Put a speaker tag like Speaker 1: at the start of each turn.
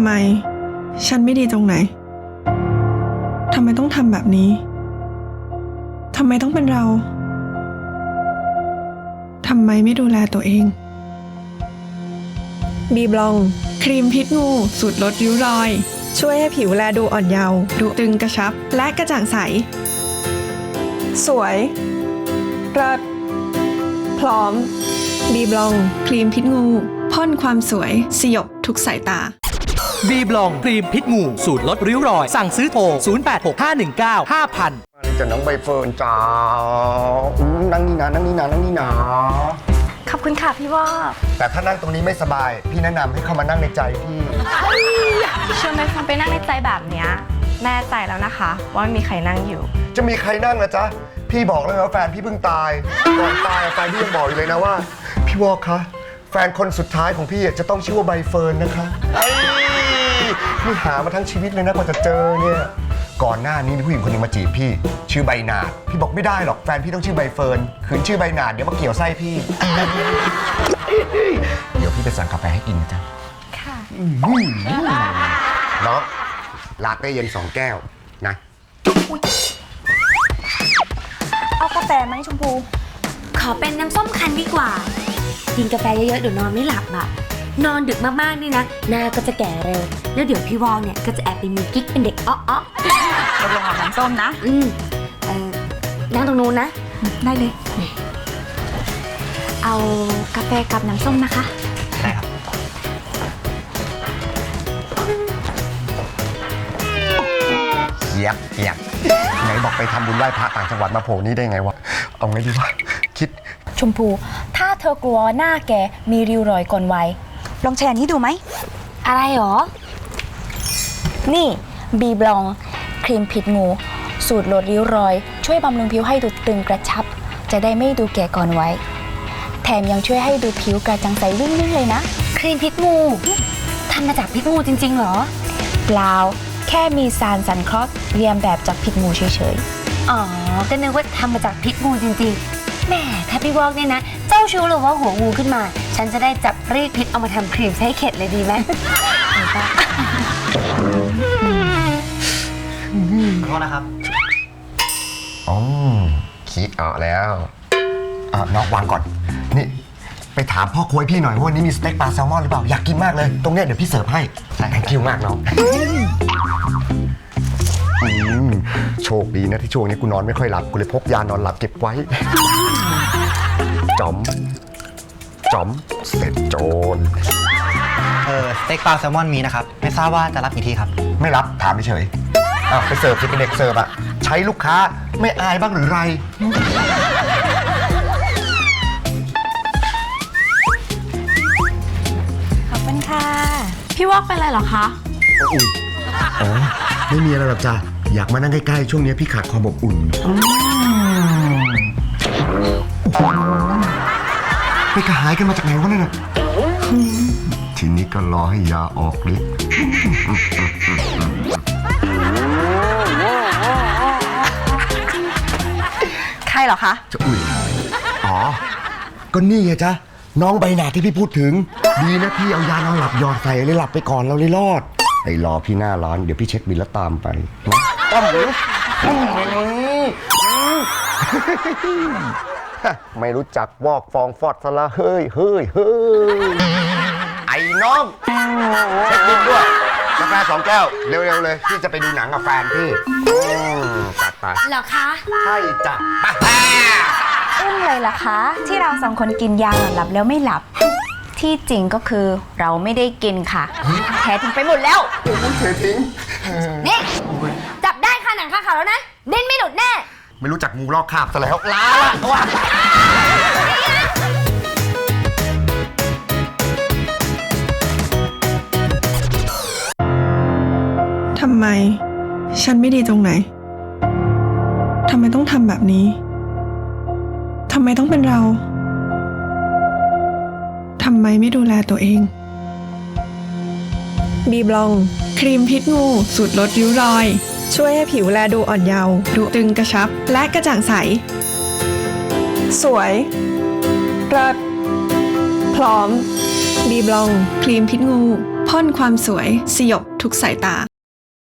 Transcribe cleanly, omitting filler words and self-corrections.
Speaker 1: ไมฉันไม่ดีตรงไหนทำไมต้องทำแบบนี้ทำไมต้องเป็นเราทำไมไม่ดูแลตัวเองบีบลองครีมพิษงูสูตรลดริ้วรอยช่วยให้ผิวแลดูอ่อนเยาว์ดูตึงกระชับและกระจ่างใสสวยเลิศพร้อมบีบลองครีมพิษงูพ่นความสวยสยบทุกสายตา
Speaker 2: บีบลองครีมพิษงูสูตรลดริ้วรอยสั่งซื้อโทร 0865195000
Speaker 3: จะน้องใบเฟิร์นจ้านั่งนี่นะนั่งนี่นะนั่งนี่นะ
Speaker 4: ขอบคุณค่ะพี่ว่า
Speaker 3: แต่ถ้านั่งตรงนี้ไม่สบายพี่แนะนำให้เข้ามานั่งในใจพี่
Speaker 4: ชวนไปฟังไปนั่งในใจแบบเนี้ยแน่ใจแล้วนะคะว่าไม่มีใครนั่งอยู่
Speaker 3: จะมีใครนั่งนะจ๊ะพี่บอกแล้วว่าแฟนพี่เพิ่งตายก่อนตายแฟนพี่ยังบอกอยู่เลยนะว่าพี่วอกคะแฟนคนสุดท้ายของพี่จะต้องชื่อว่าใบเฟิร์นนะคะพี่หามาทั้งชีวิตเลยนะกว่าจะเจอเนี่ยก่อนหน้านี้มีผู้หญิงคนหนึงมาจีบพี่ชื่อใบหนาดพี่บอกไม่ได้หรอกแฟนพี่ต้องชื่อใบเฟิร์นคืนชื่อใบหนาดเดี๋ยวมาเกี่ยวไส้พี่เดี๋ยวพี่ไปสั่งกาแฟให้กินนะจ๊ะ
Speaker 4: ค่ะ
Speaker 3: น้องลาเต้เย็น2 แก้วนะ
Speaker 4: เอากาแฟไหมชมพู
Speaker 5: ขอเป็นน้ำส้มคั้นดีกว่ากินกาแฟเยอะๆเดี๋ยวนอนไม่หลับอ่ะนอนดึกมากๆนี่นะหน้าก็จะแก่เร็วแล้วเดี๋ยวพี่วอลเนี่ยก็จะแอบไปมีกิ๊กเป็นเด็กอ้อ
Speaker 4: เราลงอาบน้ำส้มนะ
Speaker 5: นั่งตรงนู้นนะ
Speaker 4: ได้เลย
Speaker 5: เอากาแฟกับน้ำส้มนะคะ
Speaker 2: ได้ครับ
Speaker 3: เยียบไหนบอกไปทำบุญไหว้พระต่างจังหวัดมาโผล่นี่ได้ไงวะเอาไงดีวะคิด
Speaker 6: ชมพูถ้าเธอกลัวหน้าแกมีริ้วรอยก่อนวัยลองแชร์นี้ดูไหม
Speaker 5: อะไรหรอ
Speaker 6: นี่บีบลองครีมพิษงูสูตรลดริ้วรอยช่วยบำรุงผิวให้ดูตึงกระชับจะได้ไม่ดูแก่ก่อนวัยแถมยังช่วยให้ดูผิวกระจ่างใสวิ่งเลยนะ
Speaker 5: ครีมพิษงูทำมาจากพิษงูจริงๆเหรอ
Speaker 6: เปล่าแค่มีสารสังเคราะห์เรียนแบบจากพิษงูเฉย
Speaker 5: ๆอ๋อก็นึกว่าทำมาจากพิษงูจริงๆแหมถ้าพี่วอกเนี่ยนะเจ้าชู้หรือว่าหัวงูขึ้นมาฉันจะได้จับรีดพิษเอามาทำครีมใช้เข็ดเลยดีไหม
Speaker 2: ขอโทษนะครับ
Speaker 3: คิดออกแล้วน้องวางก่อนนี่ไปถามพ่อครัวพี่หน่อยว่าวันนี้มีสเต็กปลาแซลมอนหรือเปล่าอยากกินมากเลยตรงเนี้ยเดี๋ยวพี่เสิร์ฟให้thank you มากน้องโชคดีนะที่ช่วงนี้กูนอนไม่ค่อยหลับกูเลยพกยานอนหลับเก็บไว้จอมเสร็จโจร
Speaker 2: สเต็กปลาแซลมอนมีนะครับไม่ทราบว่าจะรับกี่ที่ครับ
Speaker 3: ไม่รับถามเฉยไปเสิร์ฟสิเป็นเด็กเสิร์ฟอะใช้ลูกค้าไม่อายบ้างหรือไร
Speaker 6: ขอบคุณค่ะ
Speaker 4: พี่วอกเป็นอะไรเหรอคะ
Speaker 3: ไม่มีอะไรหรอกจ้ะอยากมานั่งใกล้ๆช่วงนี้พี่ขาดความอบอุ่นไปกระหายกันมาจากไหนวะนั่นน่ะทีนี้ก็รอให้ยาออกฤทธิ์
Speaker 4: ใครเหรอคะ
Speaker 3: จะก็นี่ไงจ๊ะน้องใบหนาที่พี่พูดถึงดีนะพี่เอายานอนหลับหยอดใส่เลยหลับไปก่อนเราเลยรอดไอ้รอพี่หน้าร้านเดี๋ยวพี่เช็คบิลแล้วตามไปนะต้อมหรือไม่รู้จักวอกฟองฟอดซะละเฮ้ยไอ้น้องเช็คบิลด้วยกาแฟ2 แก้วเร็วๆเลยพี่จะไปดูหนังกับแฟนพี่ตัดไป
Speaker 5: เหรอคะ
Speaker 3: ใช่จ้ะ
Speaker 6: เลยล่ะคะที่เรา2 คนกินยาหลับแล้วไม่หลับที่จริงก็คือเราไม่ได้กินค่ะแท้ทิ้งไปหมดแล้ว
Speaker 3: เททิ้ง
Speaker 5: นี่จับได้ค่ะหนังคาเขาแล้วนะเด่นไม่หลุดแน่
Speaker 3: ไม่รู้จักงูลอกคราบซะแล้วลาละว่ะ
Speaker 1: ทำไมฉันไม่ดีตรงไหนทำไมต้องทำแบบนี้ทำไมต้องเป็นเราทำไมไม่ดูแลตัวเองบีบลองครีมพิษงูสูตรลดริ้วรอยช่วยให้ผิวแลดูอ่อนเยาว์ดูตึงกระชับและกระจ่างใสสวยเลิศพร้อมบีบลองครีมพิษงูพ่นความสวยสยบทุกสายตา